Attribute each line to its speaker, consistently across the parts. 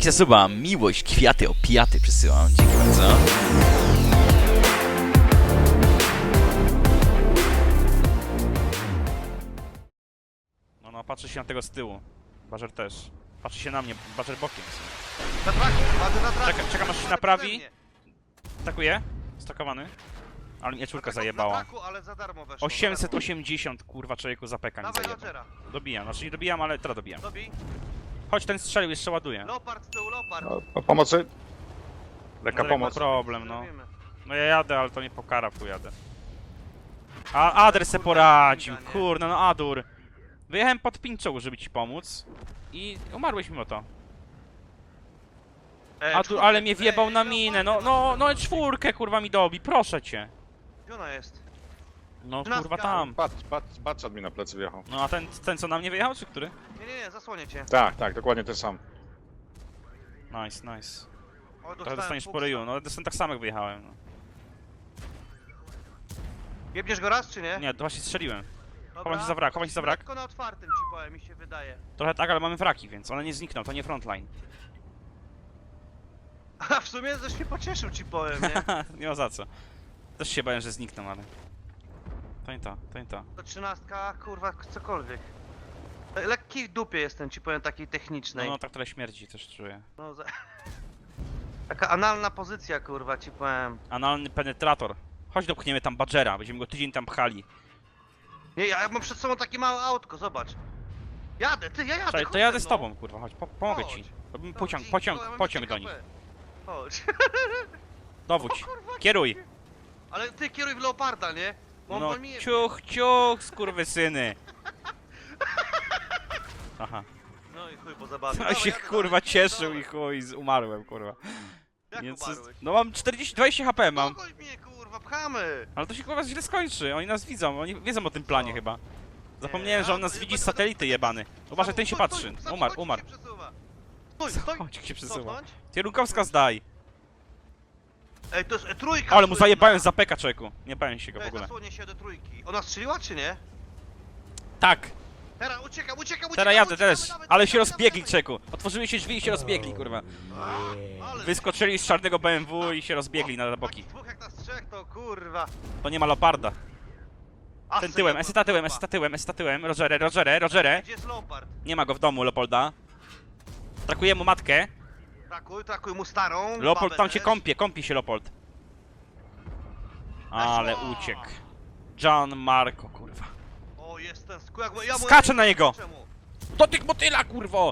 Speaker 1: wsparcia suba, miłość, kwiaty, opiaty przysyłam. Dzięki bardzo. No, patrzy się na tego z tyłu. Bażer też. Patrzy się na mnie, Bażer bokiem.
Speaker 2: Na traku, ładę na traku.
Speaker 1: Czekam aż się naprawi. Atakuje. Stakowany. Ale mnie czwórka zajebała.
Speaker 2: Na traku, ale za darmo weszło.
Speaker 1: 880 kurwa człowieku za peka mi
Speaker 2: Dawaj
Speaker 1: zajebał.
Speaker 2: Rogera.
Speaker 1: Dobijam, znaczy nie dobijam, ale teraz dobijam.
Speaker 2: Dobij.
Speaker 1: Chodź, ten strzelił, jeszcze ładuję.
Speaker 2: Leopard z tyłu, Leopard.
Speaker 3: Pomocy? Lekka
Speaker 1: No,
Speaker 3: pomoc.
Speaker 1: problem, no.
Speaker 2: Zrobimy.
Speaker 1: No ja jadę, ale to nie pokara, tu jadę. A Ader se poradził,
Speaker 2: Kurwa, nie.
Speaker 1: kurde, no Adur. Wyjechałem pod pinczoł, żeby ci pomóc. I umarłeś mimo to. Adur,
Speaker 2: czwórkę.
Speaker 1: ale mnie wjebał na
Speaker 2: Leopard
Speaker 1: minę,
Speaker 2: ma.
Speaker 1: no czwórkę kurwa mi dobi, proszę cię.
Speaker 2: Gdzie ona jest?
Speaker 1: No
Speaker 2: Trzynastka.
Speaker 1: kurwa tam.
Speaker 3: Baczat mi na plecy wjechał.
Speaker 1: No a ten co na mnie wyjechał, czy który?
Speaker 2: Nie, zasłonię cię.
Speaker 3: Tak, dokładnie ten sam.
Speaker 1: Nice.
Speaker 2: O,
Speaker 1: Trochę dostaniesz po ryju, no dostałem tak samo jak wyjechałem. No.
Speaker 2: Jebniesz go raz, czy nie?
Speaker 1: Nie, to właśnie strzeliłem.
Speaker 2: Dobra.
Speaker 1: chowaj się za wrak, chowaj się za wrak.
Speaker 2: Tylko na otwartym ci powiem, mi się wydaje.
Speaker 1: Trochę tak, ale mamy wraki, więc one nie znikną, to nie frontline.
Speaker 2: A w sumie też się pocieszył, ci powiem, nie?
Speaker 1: Nie ma za co. Też się bałem, że znikną, ale... To nie to, to nie to.
Speaker 2: To 13, kurwa, cokolwiek. Lekki w dupie jestem, ci powiem, takiej
Speaker 1: No,
Speaker 2: technicznej.
Speaker 1: no tak tyle śmierci też czuję.
Speaker 2: No, taka analna pozycja, kurwa, ci powiem.
Speaker 1: Analny penetrator. Chodź dopchniemy tam Badgera, będziemy go tydzień tam pchali.
Speaker 2: Nie, ja mam przed sobą takie małe autko, zobacz. Jadę, ty, ja jadę,
Speaker 1: Czekaj,
Speaker 2: chodź
Speaker 1: to jadę
Speaker 2: ze
Speaker 1: z
Speaker 2: mną.
Speaker 1: tobą, kurwa, chodź, pomogę
Speaker 2: Chodź.
Speaker 1: ci. Robimy
Speaker 2: No,
Speaker 1: pociąg,
Speaker 2: i-
Speaker 1: pociąg,
Speaker 2: ja mam
Speaker 1: pociąg
Speaker 2: jeszcze
Speaker 1: do nich.
Speaker 2: KP. Chodź.
Speaker 1: Dowódź, kieruj.
Speaker 2: Ale ty kieruj w Leoparda, nie? Bo
Speaker 1: No,
Speaker 2: on mi...
Speaker 1: ciuch, skurwysyny. Aha.
Speaker 2: No i chuj, bo zabawię.
Speaker 1: No się kurwa cieszył i chuj, umarłem, kurwa.
Speaker 2: Jak
Speaker 1: Więc,
Speaker 2: umarłeś?
Speaker 1: no mam 20 HP mam.
Speaker 2: Pogoń mnie, kurwa, pchamy!
Speaker 1: Ale to się kurwa źle skończy, oni nas widzą, oni wiedzą o tym planie
Speaker 2: Co?
Speaker 1: chyba. Zapomniałem, że on nas widzi z satelity jebany. Uważaj, ten się patrzy. Umarł.
Speaker 2: Stój,
Speaker 1: Chodź, jak się przesuwa.
Speaker 2: Cofnąć?
Speaker 1: Kierunkowska zdaj.
Speaker 2: Ej, to jest trójka!
Speaker 1: Ale mu
Speaker 2: stój,
Speaker 1: zajebałem
Speaker 2: no.
Speaker 1: za peka, czeku. Nie bałem się go w
Speaker 2: Ej,
Speaker 1: ogóle.
Speaker 2: zasłonię się do trójki. Ona strzeliła, czy nie?
Speaker 1: Tak,
Speaker 2: Teraz uciekam!
Speaker 1: teraz jadę
Speaker 2: uciekamy,
Speaker 1: też.
Speaker 2: dawaj,
Speaker 1: Ale się
Speaker 2: dawaj,
Speaker 1: rozbiegli,
Speaker 2: dawaj.
Speaker 1: czeku. Otworzyły się drzwi i się rozbiegli, kurwa.
Speaker 2: Ale
Speaker 1: Wyskoczyli z czarnego BMW i się rozbiegli na boki.
Speaker 2: takich dwóch jak nas trzech, to kurwa.
Speaker 1: To nie ma Leoparda.
Speaker 2: A
Speaker 1: Ten
Speaker 2: syna
Speaker 1: tyłem,
Speaker 2: to
Speaker 1: eseta tyłem. Rogerę.
Speaker 2: Gdzie jest Leopard?
Speaker 1: Nie ma go w domu, Leopolda. Trakuje mu matkę.
Speaker 2: Trakuj mu starą.
Speaker 1: Leopold
Speaker 2: babę
Speaker 1: tam się
Speaker 2: też.
Speaker 1: kąpi się Leopold. Ale
Speaker 2: Weszło!
Speaker 1: uciekł. John Marco, kurwa.
Speaker 2: O, jest ten skórak, bo ja mu-
Speaker 1: Skaczę na niego!
Speaker 2: Czemu?
Speaker 1: Do tych motyla, kurwo!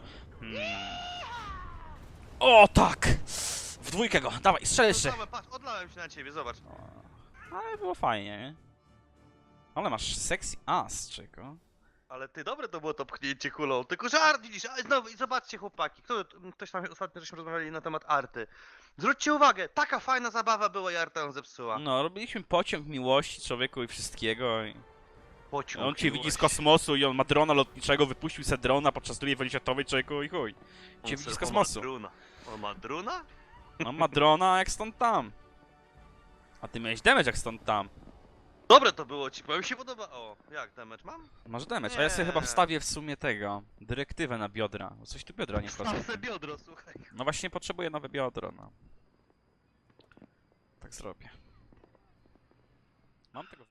Speaker 1: O, tak! W dwójkę go, dawaj, strzel jeszcze.
Speaker 2: Odlałem, patrz, odlałem się na ciebie, zobacz.
Speaker 1: Ale było fajnie, nie? Ale masz sexy ass, czego?
Speaker 2: Ale ty, dobre to było to pchnięcie kulą, tylko żart widzisz, a znowu, i zobaczcie chłopaki, ktoś tam ostatnio żeśmy rozmawiali na temat arty. Zwróćcie uwagę, taka fajna zabawa była i arta ją zepsuła.
Speaker 1: No, robiliśmy pociąg miłości człowieku i wszystkiego. I
Speaker 2: Pociąg.
Speaker 1: on cię widzi z
Speaker 2: miłości.
Speaker 1: kosmosu i on ma drona lotniczego, wypuścił se drona podczas II wojny światowej, człowieku i chuj.
Speaker 2: On
Speaker 1: Cię widzi z
Speaker 2: se- on
Speaker 1: kosmosu.
Speaker 2: ma druna. On ma druna?
Speaker 1: On ma drona jak stąd tam. A ty miałeś damage jak stąd tam.
Speaker 2: Dobre to było ci, bo mi się podoba. O, jak damage mam?
Speaker 1: Masz damage, a ja sobie chyba
Speaker 2: Nie.
Speaker 1: wstawię w sumie tego. Dyrektywę na biodra. Bo coś tu biodra nie wchodzą.
Speaker 2: Mam se biodro, słuchaj.
Speaker 1: No właśnie potrzebuję nowe biodro, no. Tak zrobię. Mam tego.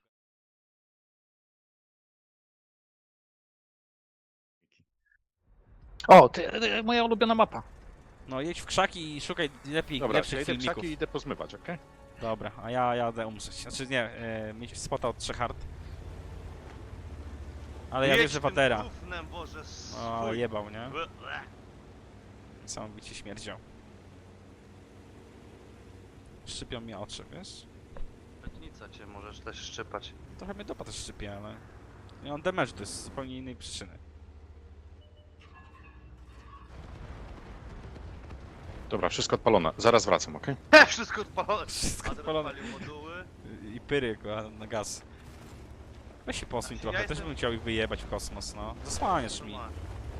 Speaker 3: O, moja ulubiona mapa.
Speaker 1: No jedź w krzaki i szukaj lepiej,
Speaker 3: Dobra, ja
Speaker 1: lepszych
Speaker 3: idę w
Speaker 1: filmików.
Speaker 3: krzaki i idę pozmywać, okej?
Speaker 1: Dobra, a ja jadę umrzeć. Znaczy nie, mieć spota od 3 hard. Ale ja
Speaker 2: Jedź
Speaker 1: wierzę w
Speaker 2: tym
Speaker 1: Adera.
Speaker 2: gównem, Boże,
Speaker 1: O, ale
Speaker 2: swój.
Speaker 1: jebał, nie?
Speaker 2: Ble.
Speaker 1: Niesamowicie śmierdział. Szczypią mi oczy, wiesz?
Speaker 2: Petnica cię możesz też szczypać.
Speaker 1: Trochę mnie dopa też szczypie, ale... Nie mam damage, to jest z zupełnie innej przyczyny.
Speaker 3: Dobra, wszystko odpalone. Zaraz wracam, okej?
Speaker 2: Wszystko odpalone.
Speaker 1: Wszystko
Speaker 2: Adrian
Speaker 1: odpalone.
Speaker 2: odpalił moduły.
Speaker 1: I pyry na gaz. Weź się posuń
Speaker 2: Ja
Speaker 1: trochę, też
Speaker 2: jestem-
Speaker 1: bym chciał ich wyjebać w kosmos, no. Zasłaniasz mi.
Speaker 2: Normalnie.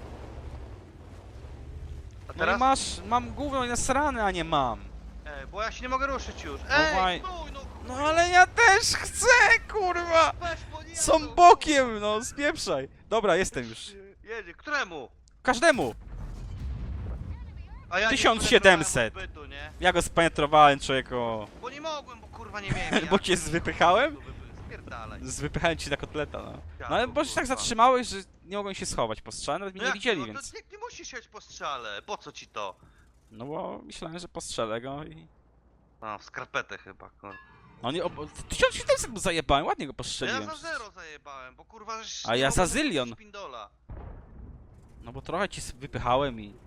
Speaker 2: A
Speaker 1: No i
Speaker 2: teraz?
Speaker 1: mam gówno i nasrane, a nie mam.
Speaker 2: Bo ja się nie mogę ruszyć już.
Speaker 1: waj-
Speaker 2: Stój, no,
Speaker 1: No ale ja też chcę, kurwa!
Speaker 2: weź po nie,
Speaker 1: Są
Speaker 2: no.
Speaker 1: bokiem, no, spieprzaj. Dobra, jestem już.
Speaker 2: Jedzie, któremu?
Speaker 1: Każdemu!
Speaker 2: A ja nie
Speaker 1: 1700.
Speaker 2: penetrowałem odbytu, nie?
Speaker 1: Ja go spenetrowałem, człowieku.
Speaker 2: Bo nie mogłem, bo kurwa nie miałem.
Speaker 1: Bo cię wypychałem?
Speaker 2: Spierdalaj.
Speaker 1: Wypychałem ci na kotleta, no.
Speaker 2: Ja
Speaker 1: No ale
Speaker 2: tu,
Speaker 1: bo się tak
Speaker 2: kurwa.
Speaker 1: zatrzymałeś, że nie mogłem się schować po strzale, nawet mnie nie
Speaker 2: jak
Speaker 1: widzieli,
Speaker 2: no
Speaker 1: więc...
Speaker 2: To nie musisz siać po strzale, po co ci to?
Speaker 1: No bo myślałem, że postrzelę go i...
Speaker 2: A, w skarpetę chyba, kurwa.
Speaker 1: No nie, 1700 mu zajebałem, ładnie go
Speaker 2: Ja
Speaker 1: postrzeliłem.
Speaker 2: za 0 zajebałem, bo kurwa... żeś
Speaker 1: A
Speaker 2: nie
Speaker 1: ja
Speaker 2: mogłem
Speaker 1: za zylion.
Speaker 2: puścić Pindola.
Speaker 1: No bo trochę ci wypychałem i...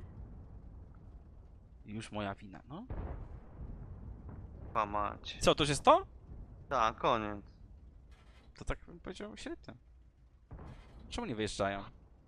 Speaker 1: Już moja wina, no.
Speaker 2: Pa mać.
Speaker 1: Co, to już jest to?
Speaker 2: Tak, koniec.
Speaker 1: To tak bym powiedział średnio. Czemu nie wyjeżdżają?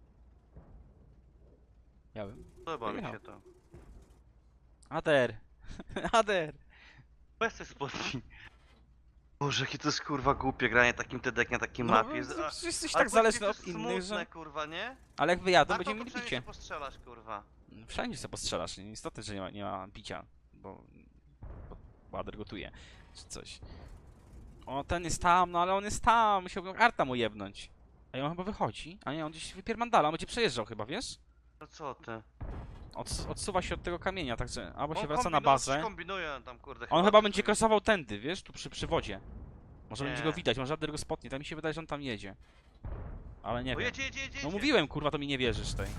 Speaker 1: Ja bym...
Speaker 2: Podoba mi
Speaker 1: Wyjechał.
Speaker 2: się to.
Speaker 1: Ader! Ader!
Speaker 2: Weź te spodni. Boże, jakie to jest kurwa głupie granie takim TDK na takim mapie.
Speaker 1: No, przecież jesteś
Speaker 2: Ale
Speaker 1: tak zależny
Speaker 2: to
Speaker 1: od
Speaker 2: jest
Speaker 1: innych,
Speaker 2: smutne,
Speaker 1: że...
Speaker 2: kurwa, nie?
Speaker 1: Ale jak wyjadą,
Speaker 2: Na to
Speaker 1: będziemy
Speaker 2: to
Speaker 1: mieli
Speaker 2: przynajmniej
Speaker 1: bicie.
Speaker 2: się postrzelasz, kurwa.
Speaker 1: Wszędzie sobie postrzelasz, nie? Istotne, że nie ma bicia, bo Bader gotuje, czy coś. O, ten jest tam, no ale on jest tam, musiałbym Arta mu jebnąć. A on chyba wychodzi, a nie, on gdzieś wypierdala, on będzie przejeżdżał chyba, wiesz?
Speaker 2: No co ty?
Speaker 1: Odsuwa się od tego kamienia, także albo się
Speaker 2: On
Speaker 1: wraca na
Speaker 2: coś
Speaker 1: bazę.
Speaker 2: kombinuje tam, kurde.
Speaker 1: On chyba
Speaker 2: coś
Speaker 1: będzie
Speaker 2: tu-
Speaker 1: krosował tędy, wiesz, tu przy wodzie. Może
Speaker 2: Nie.
Speaker 1: będzie go widać, może Ader go spotnie, tak mi się wydaje, że on tam jedzie. Ale nie
Speaker 2: O,
Speaker 1: wiem.
Speaker 2: jedzie, jedzie, jedzie,
Speaker 1: No
Speaker 2: jedzie.
Speaker 1: mówiłem, kurwa, to mi nie wierzysz tej.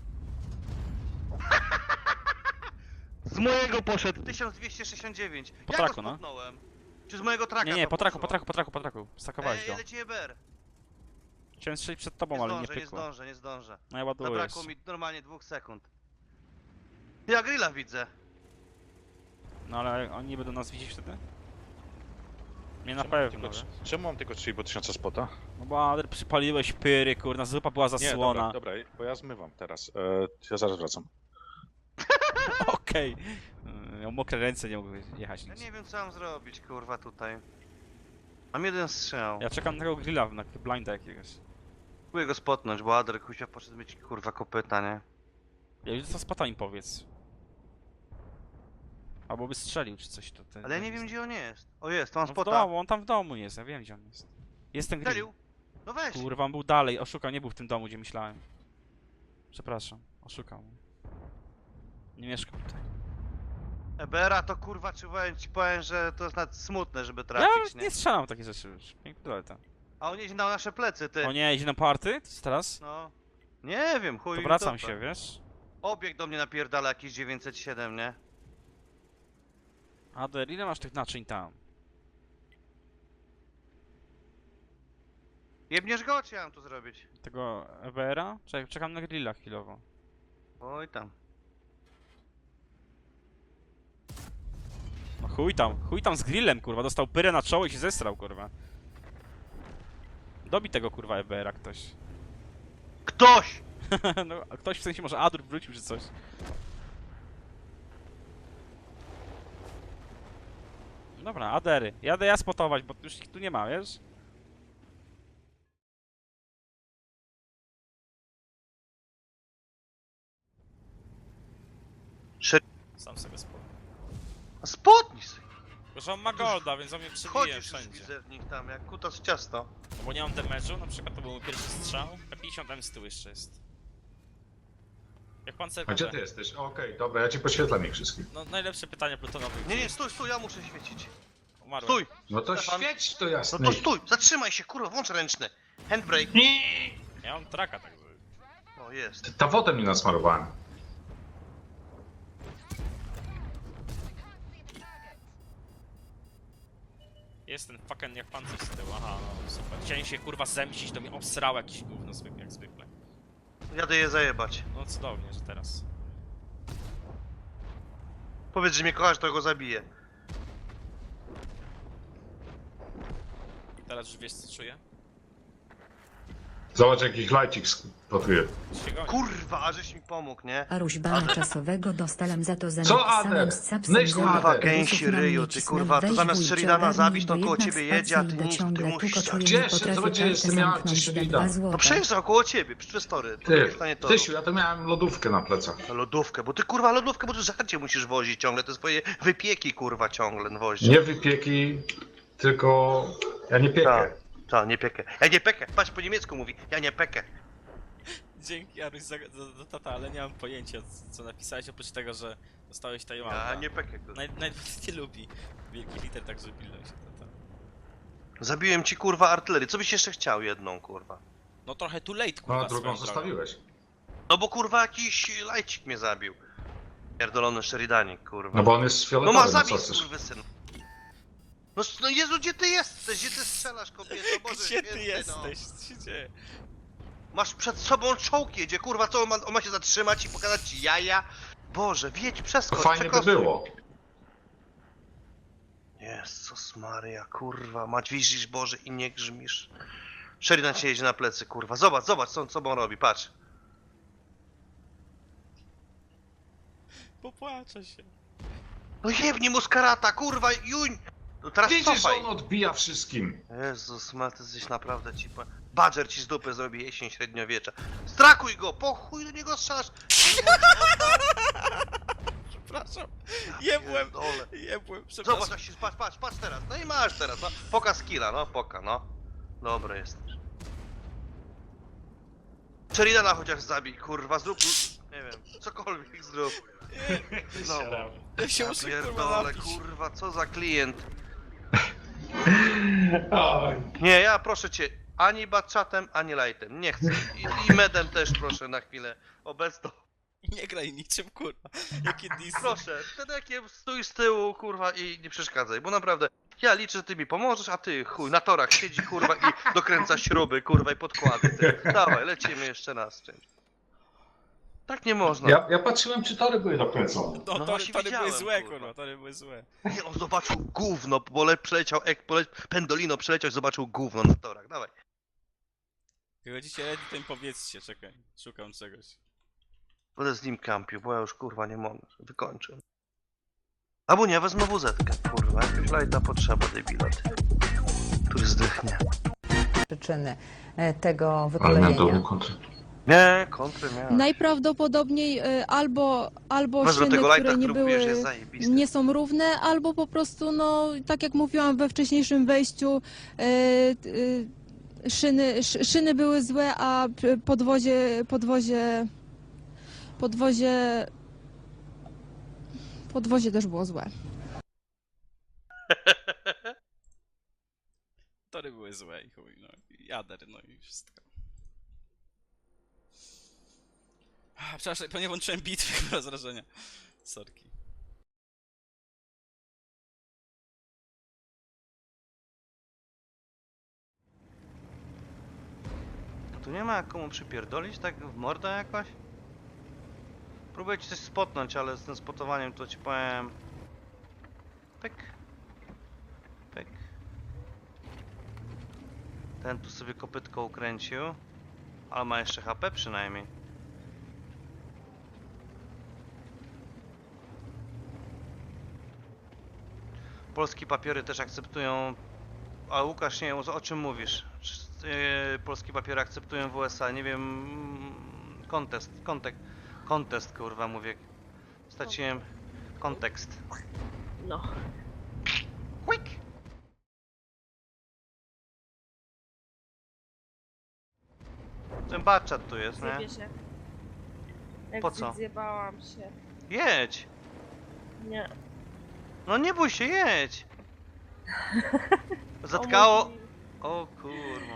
Speaker 2: Z mojego poszedł 1269.
Speaker 1: Po
Speaker 2: ja
Speaker 1: traku,
Speaker 2: go
Speaker 1: no.
Speaker 2: spotnąłem. Czy z mojego traka
Speaker 1: Nie,
Speaker 2: to
Speaker 1: po traku,
Speaker 2: poszło?
Speaker 1: po traku. Stakowałeś go.
Speaker 2: Leci EBR.
Speaker 1: Chciałem strzelić przed tobą,
Speaker 2: Nie
Speaker 1: ale nie
Speaker 2: zdążę, nie
Speaker 1: pykło.
Speaker 2: zdążę, nie zdążę.
Speaker 1: No ja ładuję
Speaker 2: Zabrakło
Speaker 1: jeszcze.
Speaker 2: mi normalnie 2 sekund. Ja grilla widzę.
Speaker 1: No ale oni nie będą nas widzieć wtedy? Nie na
Speaker 3: Czemu mam
Speaker 1: pewno,
Speaker 3: tylko-
Speaker 1: że?
Speaker 3: Czemu mam tylko 3,5 spota?
Speaker 1: No bo Ader przypaliłeś pyry, kurna, zupa była
Speaker 3: Nie,
Speaker 1: zasłona.
Speaker 3: dobra, bo ja zmywam teraz. Ja zaraz wracam.
Speaker 1: Okej. Miał mokre ręce, nie mógł jechać
Speaker 2: Ja
Speaker 1: nic.
Speaker 2: nie wiem co mam zrobić, kurwa, tutaj. Mam jeden strzał.
Speaker 1: Ja czekam na tego grilla, na blinda jakiegoś.
Speaker 2: Próbuję go spotnąć, bo Adler kusia poszedł mieć kurwa kopyta, nie?
Speaker 1: Ja już co spota im powiedz. Albo by strzelił czy coś to.
Speaker 2: Ale ja nie wiem gdzie on jest. O jest, to mam
Speaker 1: No w
Speaker 2: spota.
Speaker 1: domu, on tam w domu jest, ja wiem gdzie on jest. Jest ten grill.
Speaker 2: Strzelił? No weź.
Speaker 1: Kurwa, on był dalej, oszukał, nie był w tym domu, gdzie myślałem. Przepraszam, oszukał mnie. Nie mieszkał tutaj.
Speaker 2: EBR-a to kurwa, czy powiem, że to jest nawet smutne, żeby
Speaker 1: Ja
Speaker 2: trafić,
Speaker 1: nie
Speaker 2: nie?
Speaker 1: strzelam w takie rzeczy już. Pięknie to.
Speaker 2: A on jedzie na nasze plecy, ty.
Speaker 1: O nie, idzie na party? Co teraz?
Speaker 2: No. Nie wiem, chuj.
Speaker 1: To
Speaker 2: im
Speaker 1: wracam
Speaker 2: dupę.
Speaker 1: się, wiesz?
Speaker 2: Obieg do mnie napierdala jakiś 907, nie?
Speaker 1: Ader, ile masz tych naczyń tam?
Speaker 2: Jebniesz go, czy ja mam tu zrobić?
Speaker 1: Tego EBR-a? Czekam na grilla chwilowo.
Speaker 2: Oj tam.
Speaker 1: No chuj tam z grillem, kurwa, dostał pyrę na czoło i się zesrał, kurwa. Dobi tego, kurwa, EBR-a ktoś.
Speaker 2: Ktoś!
Speaker 1: No, a ktoś w sensie może Adur wrócił czy coś. Dobra, Adery. Jadę ja spotować, bo już ich tu nie ma, wiesz? Sam sobie spotę.
Speaker 2: A spotnij sobie.
Speaker 1: Tylko, że on ma golda, więc on mnie przebije
Speaker 2: Chodzisz już
Speaker 1: wszędzie.
Speaker 2: widzę w nich tam, jak kutas w ciasto.
Speaker 1: No bo nie mam damage'u, na przykład to był mój pierwszy strzał, a 50 M z tyłu jeszcze jest. Jak pan
Speaker 4: A gdzie ty jesteś? Okej, dobra, ja ci poświetlam ich wszystkich.
Speaker 1: No najlepsze pytanie plutonowe.
Speaker 2: Nie, nie, stój, stój, ja muszę świecić.
Speaker 1: Umarłem.
Speaker 2: Stój!
Speaker 4: No to
Speaker 2: Stefan.
Speaker 4: świeć to
Speaker 2: No
Speaker 4: jasne.
Speaker 2: to stój! Zatrzymaj się, kurwa, włącz ręczny. Handbrake.
Speaker 1: Ja mam traka tak.
Speaker 2: O, jest.
Speaker 4: Ta wodę mi nasmarowałem.
Speaker 1: Jest ten fucking jak pan coś z tyłu, aha, no super. Chciałem się kurwa zemścić, to mnie obsrał jakiś gówno zwykle, jak zwykle.
Speaker 2: Jadę je zajebać.
Speaker 1: No cudownie, że teraz.
Speaker 2: Powiedz, że mnie kochasz, to go zabiję.
Speaker 1: Teraz już wiesz co czuję?
Speaker 4: Zobacz jakich lajcik spotuje.
Speaker 1: Się goni.
Speaker 2: Kurwa, a żeś mi pomógł, nie?
Speaker 5: Aruś bana czasowego dostałem za to za
Speaker 4: Co,
Speaker 5: napisałem
Speaker 4: Ader?
Speaker 5: z capsem
Speaker 4: Myśl,
Speaker 5: zero
Speaker 4: Ader.
Speaker 2: Kurwa,
Speaker 5: podpisów
Speaker 2: gęsi
Speaker 5: na mnie
Speaker 2: ryju, ty
Speaker 5: cisnął.
Speaker 2: kurwa, to
Speaker 5: Weź
Speaker 2: zamiast
Speaker 5: wujcie,
Speaker 2: Sheridana
Speaker 5: ogarnij,
Speaker 2: zabić, to
Speaker 5: bo
Speaker 2: koło
Speaker 5: jednak
Speaker 2: ciebie jedzie, a ty
Speaker 5: spacji
Speaker 2: nic,
Speaker 5: idę
Speaker 2: ty
Speaker 5: ciągle,
Speaker 2: musisz
Speaker 5: tylko
Speaker 2: tak.
Speaker 5: czuję, nie
Speaker 4: Cieszę,
Speaker 5: potrafię
Speaker 4: zobacz,
Speaker 5: kartę
Speaker 4: jestem ja,
Speaker 5: zamknąć
Speaker 4: czy
Speaker 5: na
Speaker 4: Sheridana.
Speaker 5: 2 złote.
Speaker 2: No przejeżdżał koło ciebie, przy przestory.
Speaker 4: Ty, Tysiu, ja to miałem lodówkę na plecach.
Speaker 2: Na lodówkę, bo ty kurwa lodówkę, bo ty żarcie musisz wozić ciągle, te swoje wypieki kurwa ciągle wozisz.
Speaker 4: Nie wypieki, tylko ja nie piekę.
Speaker 2: Tak, nie piekę. Ja nie pekę, patrz po niemiecku mówi, ja nie pekę.
Speaker 1: Dzięki Aruś za tata, ale nie mam pojęcia co napisałeś, oprócz tego, że dostałeś Tajwana.
Speaker 2: A nie pekiek.
Speaker 1: Nawet nie lubi wielki liter, także pilnuj się tata.
Speaker 2: Zabiłem ci kurwa artylerię, co byś jeszcze chciał jedną kurwa?
Speaker 1: No trochę too late,
Speaker 4: No
Speaker 1: kurwa,
Speaker 4: a drugą
Speaker 1: swoją drogą.
Speaker 4: zostawiłeś.
Speaker 2: No bo kurwa jakiś lajcik mnie zabił. Pierdolony Sheridanik kurwa.
Speaker 4: No bo on jest
Speaker 2: No
Speaker 4: fioletowy,
Speaker 2: ma
Speaker 4: no
Speaker 2: zabić
Speaker 4: co chcesz?
Speaker 2: skurwysyn. No Jezu, gdzie ty jesteś? Gdzie ty strzelasz kobieto? Boże
Speaker 1: Gdzie ty
Speaker 2: święty,
Speaker 1: jesteś? Co się dzieje?
Speaker 2: Masz przed sobą czołg jedzie, kurwa, co on ma się zatrzymać i pokazać ci jaja? Boże, wiedź,
Speaker 4: To
Speaker 2: przeskocz,
Speaker 4: fajnie by
Speaker 2: przekostuj.
Speaker 4: było.
Speaker 2: Jezus Maria, kurwa, mać widzisz Boże i nie grzmisz. Sheridan się jedzie na plecy, kurwa, zobacz co on sobą robi, patrz.
Speaker 1: Popłaczę się.
Speaker 2: No jebnij mu z karata, kurwa, juń! No teraz
Speaker 4: Widzisz, że
Speaker 2: cofaj.
Speaker 4: on odbija wszystkim.
Speaker 2: Jezus, ma ty jesteś naprawdę ci po... Badger ci z dupy zrobi jesień średniowiecza. Strakuj go, po chuj do niego strzelasz.
Speaker 1: Przepraszam. Jebłem.
Speaker 2: Pierdolę.
Speaker 1: Jebłem, przepraszam.
Speaker 2: Zobacz, jak się, patrz teraz. No i masz teraz, no. Poka skilla, no, poka, no. Dobry jesteś. Sheridana chociaż zabij, kurwa, zrób... Nie wiem, cokolwiek zrób. No.
Speaker 1: Ja się
Speaker 2: Ja
Speaker 1: muszę kurwa
Speaker 2: pierdolę,
Speaker 1: napić.
Speaker 2: kurwa, co za klient.
Speaker 4: Oj.
Speaker 2: Nie, ja proszę cię, ani batchatem, ani lightem, nie chcę. I medem też proszę na chwilę obecną.
Speaker 1: Nie graj niczym, kurwa. Jakie disy.
Speaker 2: Proszę, wtedy jak nie stój z tyłu, kurwa, i nie przeszkadzaj, bo naprawdę, ja liczę, że ty mi pomożesz, a ty, chuj, na torach siedzi, kurwa, i dokręca śruby, kurwa, i podkłady, ty. Dawaj, lecimy jeszcze raz z czymś. Tak nie można.
Speaker 4: Ja patrzyłem, czy tory były dokręcone.
Speaker 1: No,
Speaker 2: No
Speaker 1: tory
Speaker 2: właśnie
Speaker 1: były
Speaker 2: widziałem,
Speaker 1: złe,
Speaker 2: kurwa.
Speaker 1: kurwa, tory były złe.
Speaker 2: Nie, on zobaczył gówno, bo przeleciał, Pendolino przeleciał i zobaczył gówno na torach, dawaj.
Speaker 1: Jak chodzicie ready, to im powiedzcie, czekaj. Szukam czegoś.
Speaker 2: Będę z nim kampił, bo ja już, kurwa, nie mogę, wykończę. Albo nie, wezmę WZ-kę, kurwa, jakiegoś lighta potrzeba, debilat. Który zdechnie.
Speaker 6: przyczyny tego
Speaker 4: Ale miałem
Speaker 6: wykolejenia.
Speaker 4: dobrą kontrę.
Speaker 2: Nie, kontry miałem.
Speaker 7: Najprawdopodobniej albo
Speaker 2: Masz do
Speaker 7: szyny,
Speaker 2: tego lighta,
Speaker 7: które nie
Speaker 2: który mówisz,
Speaker 7: były,
Speaker 2: jest zajebisty.
Speaker 7: nie są równe, albo po prostu, no, tak jak mówiłam we wcześniejszym wejściu, szyny były złe, a podwozie też było złe.
Speaker 1: Tory były złe i chuj, no. I jader, no i wszystko. Przepraszam, pewnie włączyłem bitwy bez wrażenia. Sorki.
Speaker 2: Tu nie ma jak komu przypierdolić tak w mordę jakoś? Próbuję ci coś spotnąć, ale z tym spotowaniem to ci powiem... Pyk. Pyk. Ten tu sobie kopytko ukręcił. Ale ma jeszcze HP przynajmniej. Polskie papiery też akceptują... A Łukasz, nie wiem, o czym mówisz? Polskie papiery akceptują w USA, nie wiem... Kontest, kurwa, mówię. Straciłem kontekst.
Speaker 8: No.
Speaker 2: Quick! Ten baczat tu jest, nie?
Speaker 8: Zjebie się. Jak
Speaker 2: Po co?
Speaker 8: Zjebałam się.
Speaker 2: Jedź!
Speaker 8: Nie.
Speaker 2: No nie bój się, jedź! Zatkało...
Speaker 8: Pomóż mi.
Speaker 2: O kurwa.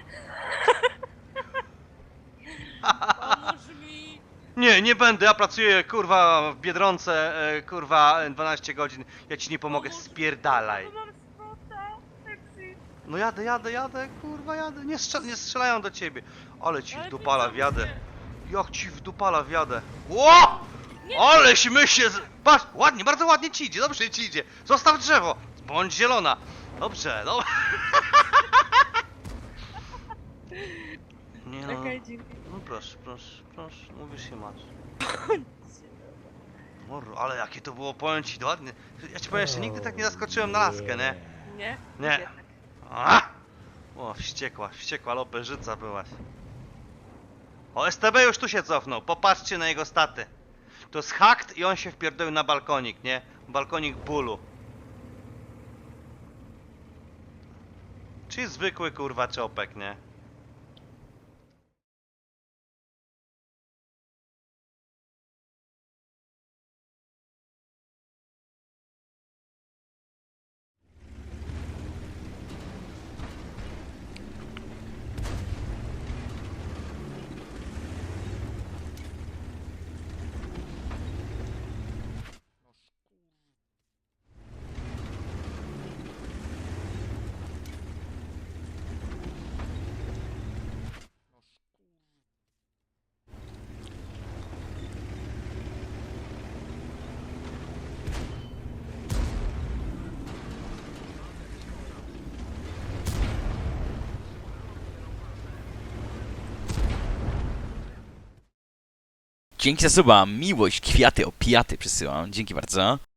Speaker 8: Pomóż mi!
Speaker 2: Nie, nie będę, ja pracuję kurwa w Biedronce, kurwa 12 godzin. Ja ci nie pomogę,
Speaker 8: Pomóż mi,
Speaker 2: spierdalaj.
Speaker 8: bo mam spota. Taxi.
Speaker 2: No jadę, kurwa jadę. Nie strzelają do ciebie. Ale ci
Speaker 8: Ale
Speaker 2: wdupala
Speaker 8: ty
Speaker 2: wjadę.
Speaker 8: zamknę.
Speaker 2: Jak ci wdupala wjadę. Ło! Aleś my się z... Patrz, ładnie, bardzo ładnie ci idzie, dobrze ci idzie. Zostaw drzewo, bądź zielona. Dobrze, no. Nie no.
Speaker 8: Okej, dzięki.
Speaker 2: No proszę, mówisz się masz. Morro, ale jakie to było, powiem ci, ładnie. Ja ci powiem, jeszcze nigdy tak nie zaskoczyłem na laskę, nie?
Speaker 8: Nie?
Speaker 2: Nie.
Speaker 8: Jednak.
Speaker 2: A! O, wściekła loperzyca byłaś. O, STB już tu się cofnął, popatrzcie na jego staty. To jest hacked i on się wpierdolił na balkonik, nie? Balkonik bólu. Czyli zwykły kurwa czopek, nie?
Speaker 1: Dzięki za suba, miłość, kwiaty, opiaty przysyłam. Dzięki bardzo.